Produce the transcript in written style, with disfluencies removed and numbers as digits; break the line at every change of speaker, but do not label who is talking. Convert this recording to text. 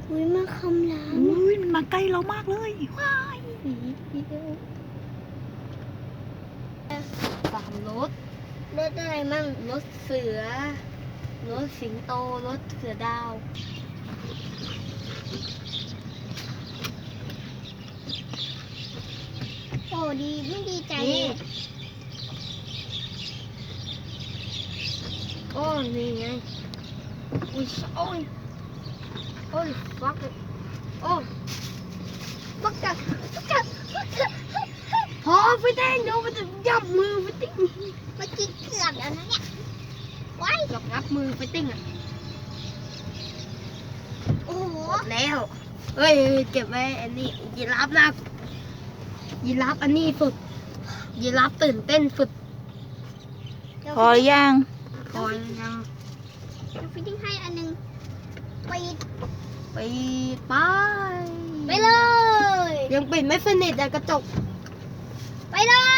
อุ้ยมาคำราม
อุ้ยมันมาใกล้เรามากเลยว้าย
สามรถรถอะไรมั่งรถเสือรถสิงโตรถเสือดาวโอ้ดีไม่ดีใจเนี่ยโอ้นี่ไงอุ้ยโอ้ยโอ้ยฟักโอ้ฟักกัดฟักกัดพอไปเต้นเดี๋ยวมันจะยับมือไปติ้งเมื่อกี้เกือบแล้วนะเนี่ยว้ายเกือบงับมือไปติ้งอ่ะโอ้โหแล้วเฮ้ยเก็บไว้อันนี้ยีราฟนะยีราฟอันนี้สุดยีราฟตื่นเต้นสุด
พอหรือยัง
คอยยังฟิตติ้งให้อันนึงปิดไปไปเลยยังปิดไม่สนิทอะกระจกไปเลย